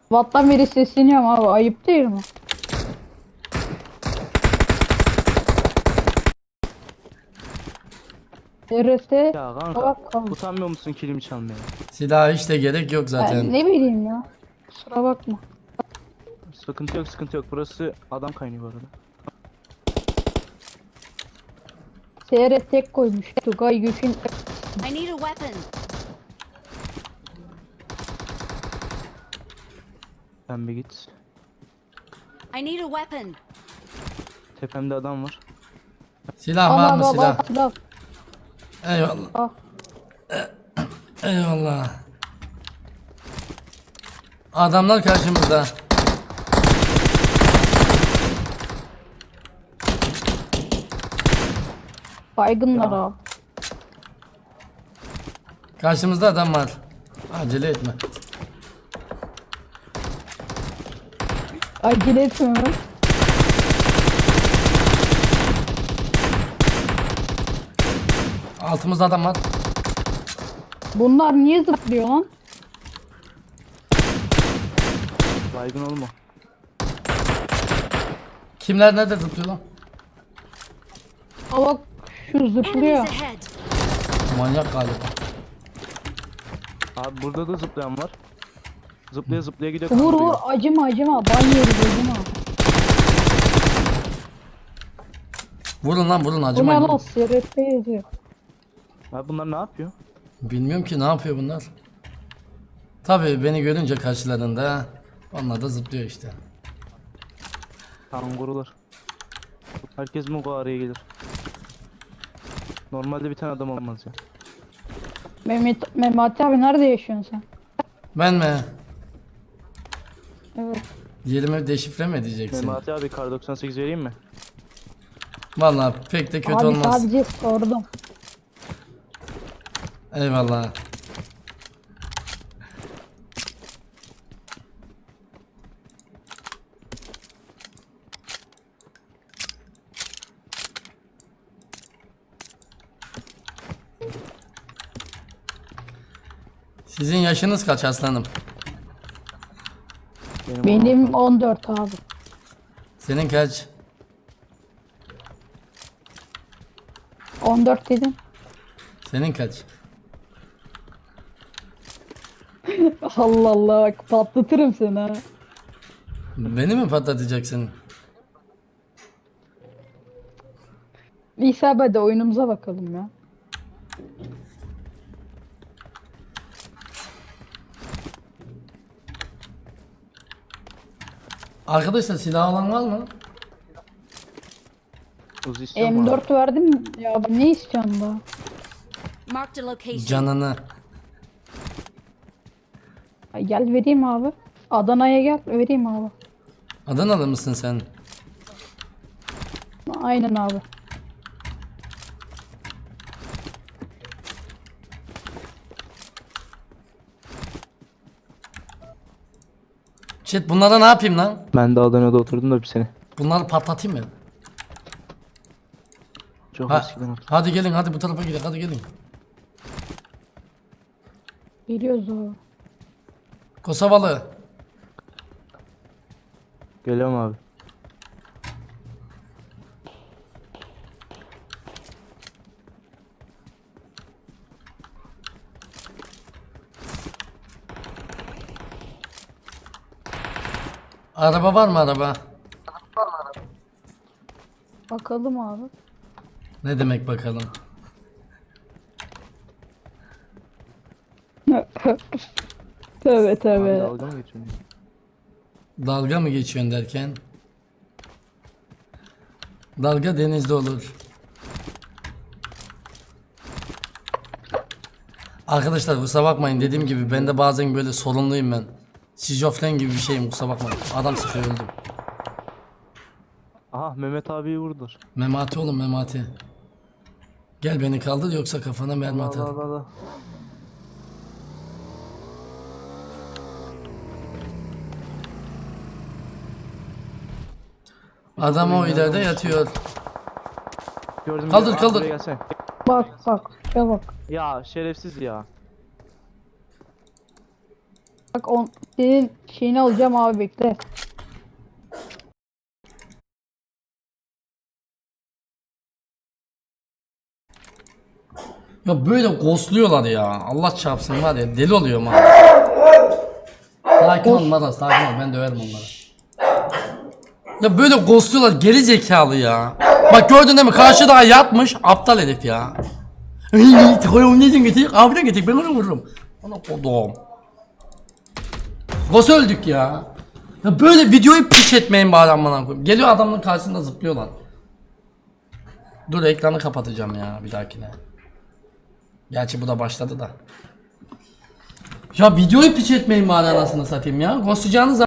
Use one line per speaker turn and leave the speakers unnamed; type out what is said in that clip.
Vattan beri sesleniyorum abi. Ayıp değil mi? RT
Ya kanka
bak kaldı.
utanmıyor musun kilimi çalmaya?
Silah hiç de gerek yok zaten.
Ne bileyim ya. Kusura bakma.
Sıkıntı yok, sıkıntı yok. Burası adam kaynıyor bu arada.
SR tek koymuş. Tugay Gök'ün
I need a weapon.
Sen bir git.
I need a weapon.
Tepemde adam var.
Silah var mı silah?
silah.
Eyvallah.
Ah.
Eyvallah. Adamlar karşımızda.
Baygınlar
Ya.
abi.
Karşımızda adam var. Acele etme.
Acele etmiyorum.
Altımızda adam var.
Bunlar niye zıplıyor lan?
Baygın olma.
Kimler nerede zıplıyor lan?
Aa bak şu
Enemies
zıplıyor.
ahead.
Manyak galiba.
Abi burada da zıplayan var. Zıplaya zıplaya gidiyor.
Vur vur
kandırıyor.
acıma acıma. Ban yeriz acıma.
Vurun lan vurun
Bu ne
acımayın.
lan SRT yazıyor.
Abi bunlar ne yapıyor?
Bilmiyorum ki ne yapıyor bunlar. Tabii beni görünce karşılarında onlar da zıplıyor işte.
Kangurular. Herkes mi bu araya gelir? Normalde bir tane adam olmaz ya.
Mehmet abi nerede yaşıyorsun sen?
Ben mi?
Evet.
Yerimi deşifre mi edeceksin?
Memati abi kar 98 vereyim mi?
Vallahi pek de kötü
Abi
olmaz.
sadece sordum.
Eyvallah. Sizin yaşınız kaç aslanım?
Benim 14 abi.
Senin kaç?
14 dedim.
Senin kaç?
Allah Allah bak patlatırım seni ha.
Beni mi patlatacaksın?
İsa hadi oyunumuza bakalım ya.
Arkadaşlar silah alan var mı?
Uzi istiyor mu abi?
M4 verdim ya ne istiyorsun daha?
Marked a location.
Canını.
Ay, gel vereyim abi. Adana'ya gel vereyim abi.
Adanalı mısın sen?
Aynen abi.
Chat bunlara ne yapayım lan?
Ben de Adana'da oturdum da bir sene.
Bunları patlatayım mı?
Çok
Ha,
eskiden oturdum.
hadi gelin hadi bu tarafa gidelim hadi gelin.
Geliyoruz abi.
Kosovalı.
Geliyorum abi.
Araba var mı araba?
Bakalım abi.
Ne demek bakalım.
Tövbe
Abi
tövbe.
dalga mı geçiyorsun?
Dalga mı geçiyorsun derken? Dalga denizde olur. Arkadaşlar kusura bakmayın dediğim gibi ben de bazen böyle sorunluyum ben. Şizofren gibi bir şeyim kusura bakmayın. Adam sıkıyor öldüm.
Aha Mehmet abiyi vurdular.
Memati oğlum Memati. Gel beni kaldır yoksa kafana mermi
Allah
atarım.
Allah Allah.
Adam o ileride yatıyor.
Gördüm.
Kaldır,
Abi
kaldır.
buraya gelsene.
Bak bak. Ya bak.
Ya şerefsiz ya.
Bak senin şeyini alacağım abi, bekle.
Ya böyle ghostluyorlar ya. Allah çarpsın var ya, deli oluyorum abi. Sakin ol Maras, sakin ol, ben döverim onları. Ya böyle ghostluyorlar, geri zekalı ya. Bak gördün değil mi, karşıda yatmış aptal herif ya. Neden getir? Abine getir, ben onu vururum. Ona kodum. Nasıl öldük ya? Ya böyle videoyu piç etmeyin bari amına koyayım. Geliyor adamın karşısında zıplıyorlar. Dur ekranı kapatacağım ya bir dahakine. Gerçi bu da başladı da. Ya videoyu piç etmeyin bari anasını satayım ya. Ghostlayacağınız